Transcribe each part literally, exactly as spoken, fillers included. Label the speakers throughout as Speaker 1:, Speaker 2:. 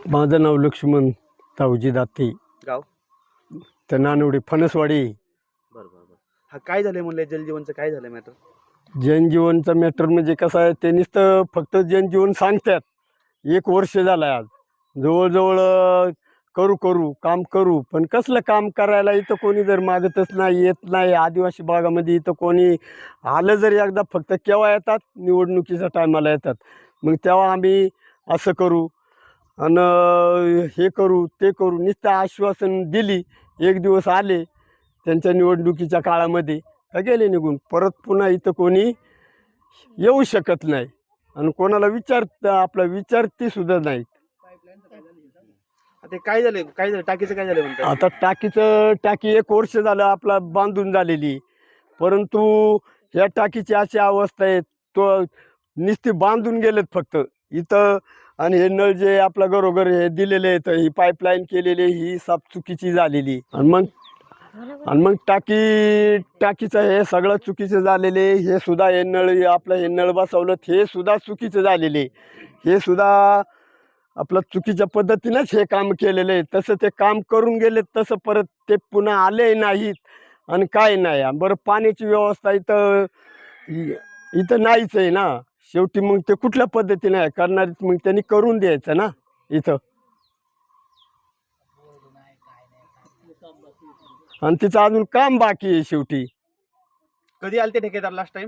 Speaker 1: माझं नाव लक्ष्मण तावजी दाते,
Speaker 2: गाव
Speaker 1: तर नानवडी फणसवाडी.
Speaker 2: बरं बरं बरं हा काय झालंय म्हणलं जलजीवनचं काय झालं मॅटर?
Speaker 1: जनजीवनचा मॅटर म्हणजे कसं आहे, त्यांनीच तर फक्त जनजीवन सांगतात. एक वर्ष झालं आहे आज जवळजवळ अं, करू करू काम करू, पण कसलं काम करायला इथं कोणी जर मागतच नाही, येत नाही. आदिवासी भागामध्ये इथं कोणी आलं जर एकदा फक्त केव्हा येतात, निवडणुकीच्या टायमाला येतात. मग तेव्हा आम्ही असं करू आणि हे करू ते करू नुसतं आश्वासन दिली. एक दिवस आले त्यांच्या निवडणुकीच्या काळामध्ये का गेले निघून. परत पुन्हा इथं कोणी येऊ शकत नाही आणि कोणाला विचारत आपला विचारती सुद्धा नाही.
Speaker 2: ते काय झालंय काय झालं टाकीचं काय झालं म्हणतात?
Speaker 1: आता टाकीचं टाकी एक वर्ष झालं आपला बांधून झालेली, परंतु या टाकीची अशी अवस्था आहे, तो नुसती बांधून गेलेत फक्त इथं. आणि हे नळ जे आपल्या घरोघर हे दिलेले आहेत, ही पाईपलाईन केलेली ही साफ चुकीची झालेली. आणि मग आणि मग टाकी टाकीचं हे सगळं चुकीचं झालेले. हे सुद्धा हे नळ आपलं हे नळ बसवलं हे सुद्धा चुकीचं झालेले. हे सुद्धा आपलं चुकीच्या पद्धतीनंच हे काम केलेलं आहे. तसं ते काम करून गेले तसं परत ते पुन्हा आले नाहीत आणि काय नाही. बरं पाण्याची व्यवस्था इथं इथं नाहीच आहे ना. शेवटी मग ते कुठल्या पद्धतीने आहे करणार, मग त्यांनी करून द्यायचं ना इथं. आणि तिचं अजून काम बाकी आहे. शेवटी
Speaker 2: कधी आलते ठेकेदार लास्ट टाइम?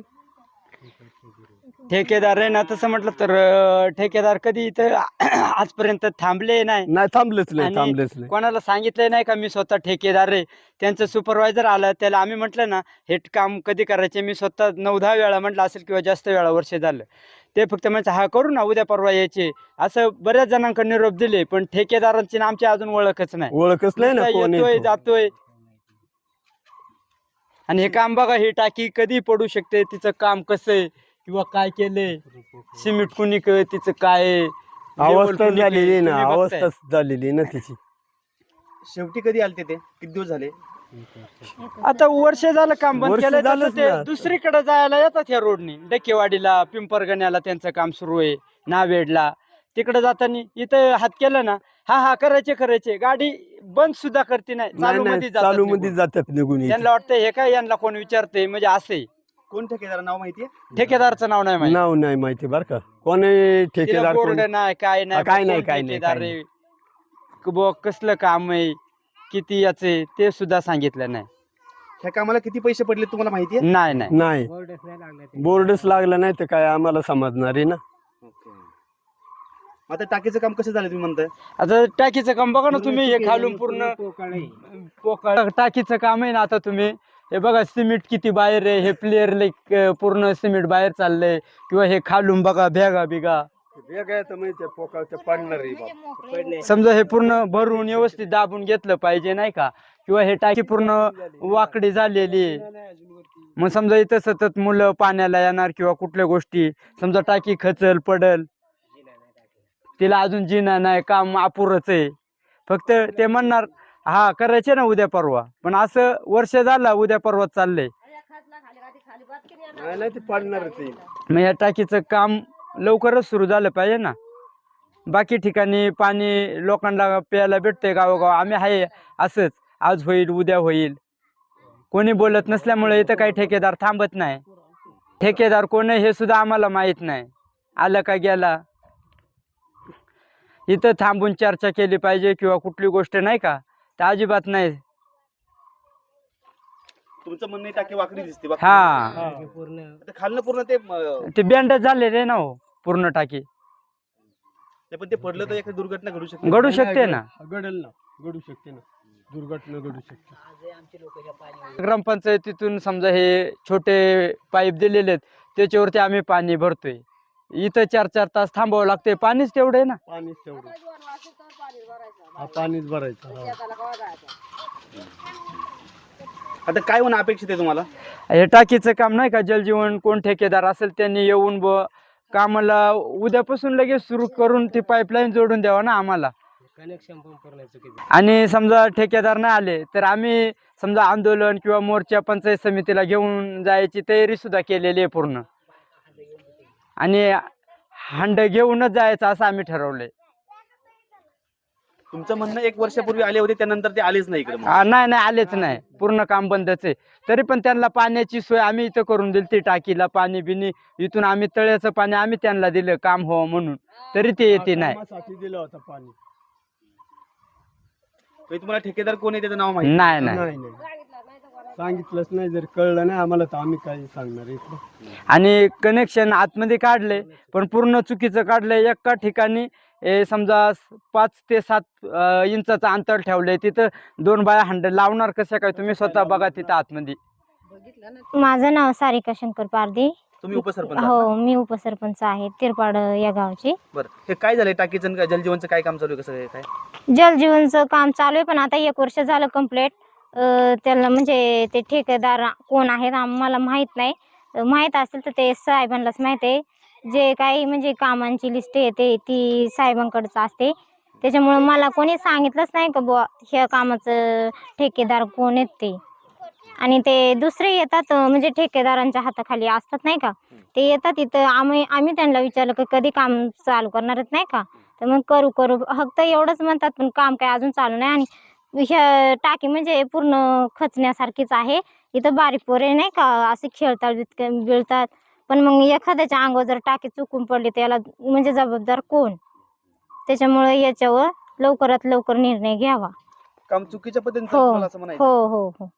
Speaker 3: ठेकेदार आहे ना, तसं म्हटलं तर अं, ठेकेदार कधी इथं आजपर्यंत थांबले नाही
Speaker 1: नाही थांबलेच नाही
Speaker 3: आणि
Speaker 1: थांबलेच नाही
Speaker 3: कोणाला सांगितलं नाही का मी स्वतः ठेकेदार आहे. त्यांचं सुपरवायझर आलं त्याला आम्ही म्हटलं ना हे काम कधी करायचे, मी स्वतः नऊ दहा वेळा म्हटलं असेल किंवा जास्त वेळा वर्ष झालं. ते फक्त म्हणजे हा करू ना उद्या परवा यायचे असं बऱ्याच जणांकडे निरोप दिले, पण ठेकेदारांची ना आमची अजून ओळखच नाही.
Speaker 1: ओळखच नाही ना
Speaker 3: नुसता
Speaker 1: कोण आहे
Speaker 3: येतोय
Speaker 1: तो.
Speaker 3: जातोय. आणि हे काम बघा, ही टाकी कधी पडू शकते, तिचं काम कसं आहे किंवा काय केलंय, सिमेंट कुणी क- तिचं काय आहे, level
Speaker 1: अवस्था
Speaker 3: कुणी
Speaker 1: झालेली
Speaker 3: केलंय,
Speaker 1: ना,
Speaker 3: तुम्ही बघताय.
Speaker 1: अवस्था झालेली ना तिची.
Speaker 2: शेवटी कधी आलते ते? किती दिवस झाले?
Speaker 3: आता वर्ष झालं काम बंद
Speaker 1: वर्ष
Speaker 3: केलंय. तसं
Speaker 1: झालंच
Speaker 3: ते
Speaker 1: ना.
Speaker 3: दुसरीकडे जायला येतात या रोडनी, डकेवाडीला पिंपरगण्याला त्यांचं काम सुरू आहे, नावेडला तिकडे जाताना इथं हात केलं ना, हा हा करायचे करायचे गाडी बंद सुद्धा करते नाही,
Speaker 1: नाही
Speaker 3: चालू
Speaker 1: नाही
Speaker 3: मध्ये
Speaker 1: चालू मध्ये जातात निघून इथे.
Speaker 3: त्यांना वाटतं हे काय यांना कोण विचारते म्हणजे असे.
Speaker 2: कोण ठेकेदार नाव माहितीये?
Speaker 3: ठेकेदारचं नाव नाही माहिती,
Speaker 1: नाव नाही माहिती बरं का. कोणी ठेकेदार
Speaker 3: बोर्ड
Speaker 1: कोण-
Speaker 3: नाही काय नाही,
Speaker 1: काय नाही,
Speaker 3: कोण
Speaker 1: काय नाही,
Speaker 3: ठेकेदार
Speaker 1: काय
Speaker 3: आहे, क- बुवा कसलं काम आहे, किती याचे ते सुद्धा सांगितलं नाही.
Speaker 2: ह्या कामाला किती पैसे पडले तुम्हाला माहितीये?
Speaker 3: नाही नाही
Speaker 1: नाही बोर्डच लागला नाही तर काय आम्हाला समजणार आहे ना.
Speaker 2: आता टाकीचं काम कसं झालं तुम्ही म्हणताय?
Speaker 3: आता टाकीचं काम बघा ना तुम्ही, हे खालून पूर्ण पोकळ टाकीचं काम आहे ना. आता तुम्ही हे बघा सिमेंट किती बाहेर आहे, हे प्लेअर लाईक पूर्ण सिमेंट बाहेर चाललंय, किंवा हे खालून बघा भेगा बिगा समजा हे पूर्ण भरून व्यवस्थित दाबून घेतलं पाहिजे नाही का, किंवा हे टाकी पूर्ण वाकडी झालेली आहे. मग समजा इथं सतत मुलं पाण्याला येणार किंवा कुठल्या गोष्टी, समजा टाकी खचल पडल, तिला अजून जिना नाही, काम अपुरच आहे. फक्त ते म्हणणार हा करायचे ना उद्या परवा, पण असं वर्ष झालं उद्या परवा चाललंय.
Speaker 1: नाही ते पडणारच आहे.
Speaker 3: मग या टाकीचं काम लवकरच सुरू झालं पाहिजे ना. बाकी ठिकाणी पाणी लोकांना प्यायला भेटतंय गावोगाव, आम्ही आहे असंच आज होईल उद्या होईल, कोणी बोलत नसल्यामुळे इथं काही ठेकेदार थांबत नाही. ठेकेदार कोण आहे हे सुद्धा आम्हाला माहित नाही, आलं का गेला. इथं थांबून चर्चा केली पाहिजे किंवा कुठली गोष्ट नाही का, तर अजिबात नाही.
Speaker 2: तुमचं म्हणणं आहे टाकी वाकडी दिसते बा.
Speaker 3: हा
Speaker 2: आता खालनं पूर्ण ते अं,
Speaker 3: ते बँडेज झालेले ना हो पूर्ण टाकी.
Speaker 2: ते पण ते पडलं तर एखादी दुर्घटना घडू शकते.
Speaker 3: घडू शकते ना,
Speaker 1: घडेल ना, घडू शकते ना, दुर्घटना घडू शकते.
Speaker 3: ग्रामपंचायतीतून समजा हे छोटे पाईप दिलेले आहेत त्याच्यावरती आम्ही पाणी भरतोय. इथं चार चार तास थांबावं लागतंय, पाणीच तेवढं आहे ना.
Speaker 1: पाणीच तेवढं हा, पाणीच भरायचं हा.
Speaker 2: आता काय होणं अपेक्षित आहे तुम्हाला?
Speaker 3: हे टाकीचं काम नाही का, जलजीवन कोण ठेकेदार असेल त्यांनी येऊन ब कामाला उद्यापासून लगेच सुरू करून ती पाईपलाईन जोडून द्यावा ना आम्हाला. आणि समजा ठेकेदार नाही आले तर आम्ही समजा आंदोलन किंवा मोर्चा पंचायत समितीला घेऊन जायची तयारी सुद्धा केलेली आहे पूर्ण, आणि हंड घेऊनच जायचं असं आम्ही ठरवलंय.
Speaker 2: तुमचं म्हणणं एक वर्षापूर्वी आले होते त्यानंतर ते आलेच नाही इकडे मग.
Speaker 3: आ, नाही नाही आलेच नाही, पूर्ण काम बंदच आहे. तरी पण त्यांना पाण्याची सोय आम्ही इथं करून दिली, ती टाकीला पाणी बिनी इथून आम्ही तळ्याचं पाणी आम्ही त्यांना दिलं काम हो म्हणून, तरी ते येते नाही.
Speaker 1: कामासाठी दिलं होतं पाणी.
Speaker 2: तरी तुम्हाला ठेकेदार कोण आहे त्याचं नाव माहिती
Speaker 3: नाही नाही
Speaker 1: नाही नाही सांगितलंच नाही, जर कळलं नाही आम्हाला तर आम्ही काय सांगणार इकडं.
Speaker 3: आणि कनेक्शन आतमध्ये काढले पण पूर्ण चुकीचं काढलंय. एका ठिकाणी ए, समजा पाच ते सात अ, इंचाचं अंतर ठेवलंय, तिथं दोन बाया हंड लावणार कशा काय, तुम्ही स्वतः बघा तिथं आतमध्ये.
Speaker 4: माझं नाव सारिका शंकर पारधी.
Speaker 2: तुम्ही उपसरपंच आहात
Speaker 4: हो, मी उपसरपंच आहे तिरपाड या गावची.
Speaker 2: ना? बरं, हे काय झालंय टाकीचं आणि जलजीवनचं काय काम चालू आहे, कसं आहे, काय?
Speaker 4: जलजीवनचं काम चालू आहे, पण आता एक वर्ष झालं कम्प्लीट. त्याला म्हणजे ते ठेकेदार कोण आहेत आम्हाला माहीत नाही. अ, माहीत असेल तर ते साहेबांनाच माहीत आहे. जे काही म्हणजे कामांची लिस्ट येते ती साहेबांकडचं असते, त्याच्यामुळं मला कोणी सांगितलंच नाही का बुवा ह्या कामाचं ठेकेदार कोण आहेत ते. आणि ते दुसरे येतात अ, म्हणजे ठेकेदारांच्या हाताखाली असतात नाही का, ते येतात तिथं. आम्ही आम्ही त्यांना विचारलं की कधी काम चालू करणार आहेत नाही का, तर मग करू करू फक्त एवढंच म्हणतात, पण काम काय अजून चालू नाही. आणि ह्या टाकी म्हणजे पूर्ण खचण्यासारखीच आहे. इथं बारीक पोरे नाही का असे खेळतात बितक बिळतात, पण मग एखाद्याच्या अंगावर जर टाकी चुकून पडली तर याला म्हणजे जबाबदार कोण? त्याच्यामुळे याच्यावर लवकरात लवकर निर्णय घ्यावा.
Speaker 2: काम चुकीच्या पद्धतीने
Speaker 4: हो
Speaker 2: चालू आहे, तुम्हाला असं म्हणायचं?
Speaker 4: हो हो हो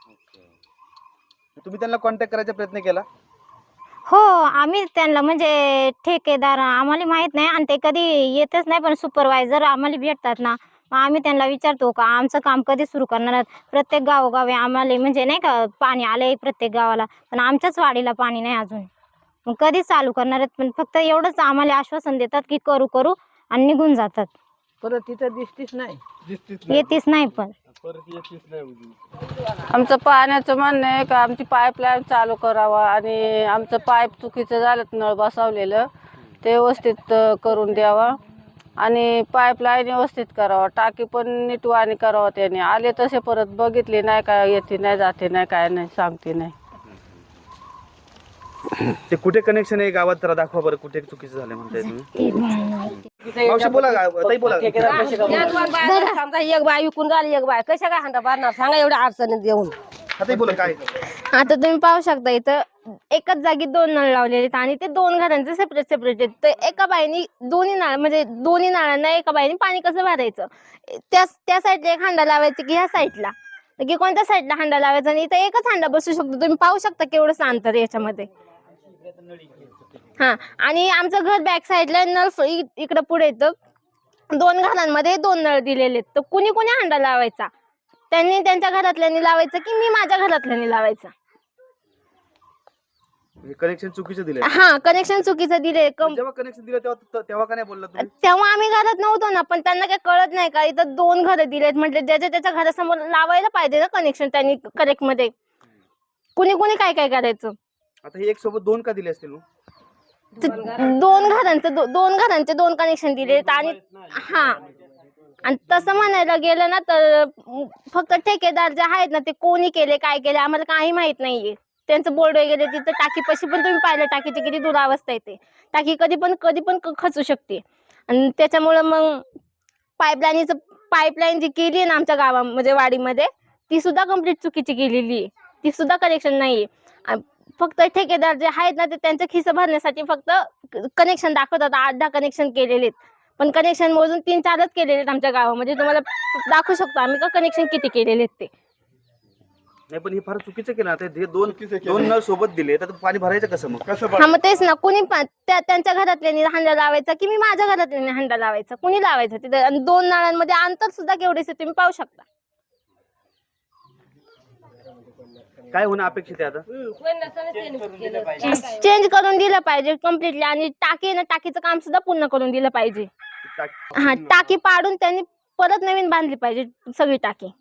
Speaker 2: तुम्ही त्यांना कॉन्टॅक्ट करायचा प्रयत्न केला?
Speaker 4: हो, आम्ही त्यांना म्हणजे ठेकेदार आम्हाला माहीत नाही आणि ते कधी येतच नाही, पण सुपरवायझर आम्हाला भेटतात ना, मग आम्ही त्यांना विचारतो का आमचं काम कधी सुरू करणार आहात. प्रत्येक गावोगावी आम्हाला म्हणजे नाही का पाणी आलंय प्रत्येक गावाला, पण आमच्याच वाडीला पाणी नाही अजून. मग कधी चालू करणार आहेत, पण फक्त एवढंच आम्हाला आश्वासन देतात की करू करू आणि निघून जातात.
Speaker 5: परत तिथं दिसतीच नाही.
Speaker 1: दिसतीच नाही,
Speaker 4: येतीच नाही पण.
Speaker 1: परत येतीच नाही उजवी.
Speaker 5: आमचं पाण्याचं म्हणणं आहे का आमची पाईपलाईन चालू करावा आणि आमचं पाईप चुकीचं झालं, नळ बसवलेलं ते व्यवस्थित अ, करून द्यावा आणि पाईपलाईन व्यवस्थित करावा. टाकी पण नीटवाणी करावा. त्याने आले तसे परत बघितले नाही, काय येते नाही जाते नाही काय नाही सांगते नाही.
Speaker 2: ते कुठे कनेक्शन आहे गावात जरा दाखवा बरं, कुठे चुकीचं झालं म्हणताय तुम्ही? मावशी बोला, गा- ताई बोला.
Speaker 6: समजा एक बाय विकून झाली, एक बाय कशा काय हांडा भरणार सांगा एवढ्या अडचणीत देऊन.
Speaker 2: हा, ताई बोला काय?
Speaker 4: आता तुम्ही पाहू शकता इथं एकाच जागी दोन नळ लावलेले आहेत आणि ते दोन घरांचे सेपरेट सेपरेट आहेत. तर एका बाईनी दोन्ही नळ म्हणजे दोन्ही नळांना एका बाईने पाणी कसं भरायचं, त्या त्या साईडला एक हांडा लावायचं की ह्या साईडला की कोणत्या साईडला हांडा लावायचा, आणि इथं एकच हांडा बसू शकतो. तुम्ही पाहू शकता केवढं अंतर आहे याच्यामध्ये. हा, आणि आमचं घर बॅक साईडला नळ फ- इ- इकडं पुढे येतं. दोन घरांमध्ये दोन नळ दिलेले आहेत, तर कुणी कुणी हांडा लावायचा, त्यांनी त्यांच्या घरातल्यांनी लावायचं की मी माझ्या घरातल्यांनी लावायचं.
Speaker 2: कनेक्शन चुकीचं दिलंय.
Speaker 4: हा, कनेक्शन चुकीचं दिले. कम-
Speaker 2: जेव्हा कनेक्शन दिलं तेव्हा तेव्हा का नाही बोलला तुम्ही?
Speaker 4: तेव्हा आम्ही घरात नव्हतो ना, पण त्यांना काही कळत नाही का इथं दोन घरं दिलेत म्हटले ज्याच्या त्याच्या घरासमोर लावायला पाहिजे ना कनेक्शन त्यांनी करेक्ट मध्ये. कुणी कुणी काय काय करायचं.
Speaker 2: आता हे एक सोबत दोन का दिले असतील मग?
Speaker 4: ते दोन घरांचं दो- दोन घरांचे दोन कनेक्शन दिलेत. आणि हा, आणि तसं म्हणायला गेलं ना तर म, फक्त ठेकेदार जे आहेत ना ते कोणी केले काय केले आम्हाला काही माहित नाहीये. त्यांचं बोर्ड वगैरे तिथं टाकीपाशी पण तुम्ही पाहिलं टाकीची किती दुरावस्था येते. टाकी कधी पण कधी पण क- खचू शकते. आणि त्याच्यामुळं मग पाईपलाईनचं पाईपलाईन जी केली आहे ना आमच्या गावा म्हणजे वाडीमध्ये, ती सुद्धा कम्प्लीट चुकीची केलेली आहे. ती सुद्धा कनेक्शन नाहीये. आणि फक्त ठेकेदार जे आहेत ना ते त्यांचं खिस्सा भरण्यासाठी फक्त कनेक्शन दाखवतात. आठ दहा कनेक्शन केलेले आहेत, पण कनेक्शन मोजून तीन चारच केलेले आहेत आमच्या गावामध्ये. तुम्हाला दाखवू शकतो आम्ही का कनेक्शन किती केलेले आहेत ते.
Speaker 2: नाही, पण हे फार चुकीचं केलं. आता हे दोन दोन नळ सोबत दिले तर पाणी भरायचं कसं मग?
Speaker 1: कसं
Speaker 4: हा, मग तेच ना, कुणी पण त्या- त्यांच्या घरातल्यानी हंडा लावायचा की मी माझ्या घरातल्यानी हंडा लावायचा, कुणी लावायचं तिथे. आणि दोन नळांमध्ये अंतर सुद्धा केवढेच आहे तुम्ही पाहू शकता.
Speaker 2: काय होणं अपेक्षित आहे आता?
Speaker 4: चेंज करून दिलं पाहिजे कम्प्लिटली. आणि टाकी आहे ना टाकीचं काम सुद्धा पूर्ण करून दिलं पाहिजे.
Speaker 2: टाक-
Speaker 4: हा, टाकी पाडून त्यांनी परत नवीन बांधली पाहिजे सगळी टाकी.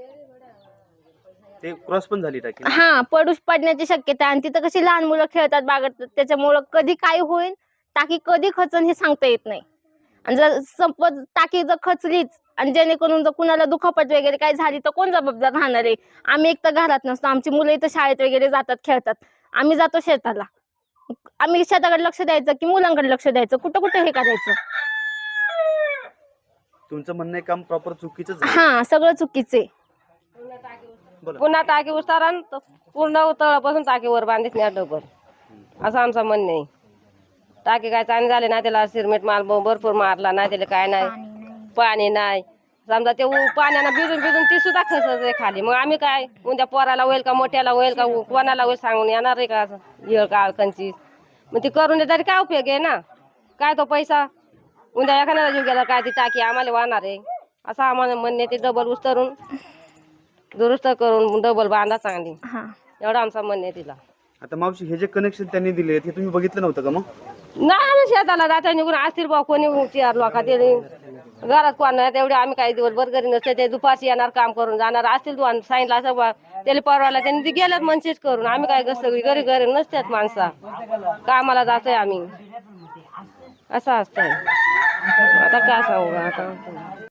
Speaker 2: ते क्रॉस पण झाली टाकी.
Speaker 4: हा, पडूस पडण्याची शक्यता आहे. आणि तिथं कशी लहान मुलं खेळतात बागडतात, त्याच्यामुळं कधी काय होईल टाकी कधी खचन हे सांगता येत नाही. आणि जर सपोज टाकी जर खचलीच आणि जेणेकरून जर कुणाला दुखापत वगैरे काय झाली तर कोण जबाबदार राहणार आहे. आम्ही एक तर घरात नसतो, आमची मुलं इथं शाळेत वगैरे जातात खेळतात, आम्ही जातो शेताला. आम्ही शेताकडे लक्ष द्यायचं की मुलांकडे लक्ष द्यायचं, कुठं कुठं हे करायचं.
Speaker 2: तुमचं म्हणणं आहे काम प्रॉपर चुकीचं झालं.
Speaker 4: हा सगळं चुकीचे.
Speaker 6: पुन्हा टाकी उतारा न पूर्ण तळापासून टाकीवर बांधित नाही डबल, असं आमचं म्हणणं आहे. टाकी काय चांगली झाली नाही, त्याला सिरमेट माल भरपूर मारला नाही, त्याला काय नाही, पाणी नाही. समजा ते उ- पाण्यानं भिजून भिजून ती सुद्धा खसत आहे खाली. मग आम्ही काय उद्या पोराला होईल का, मोठ्याला होईल का, कोणाला होईल सांगून येणार आहे का येळ का कंची. मग ती करून दे तरी काय उपयोग आहे ना, काय तो पैसा उद्या एखाद्याला जीव गेला काय ती टाकी आम्हाला वाहणार आहे. असं आम्हाला म्हणणे ते डबल उस्तरून दुरुस्त करून डबल बांधा चांगली,
Speaker 4: हा
Speaker 6: एवढं आमचं म्हणणं आहे तिला.
Speaker 2: आता मावशी हे जे कनेक्शन त्यांनी दिले ते तुम्ही बघितलं नव्हतं का मग?
Speaker 6: नाही आम्ही शेताला जाता निघून असतील बा कोणी चार लोका ते घरात कोण नाही तेवढे आम्ही काही दिवसभर घरी नसते, ते दुपारची येणार काम करून जाणार असतील. तू सांगितलं असं बा त्याला परवाला त्यांनी ते गेल्यात मनसेच करून. आम्ही काय सगळी घरी घरी नसतात माणसा, कामाला जातोय आम्ही, असं असतंय. आता काय सांगू आता.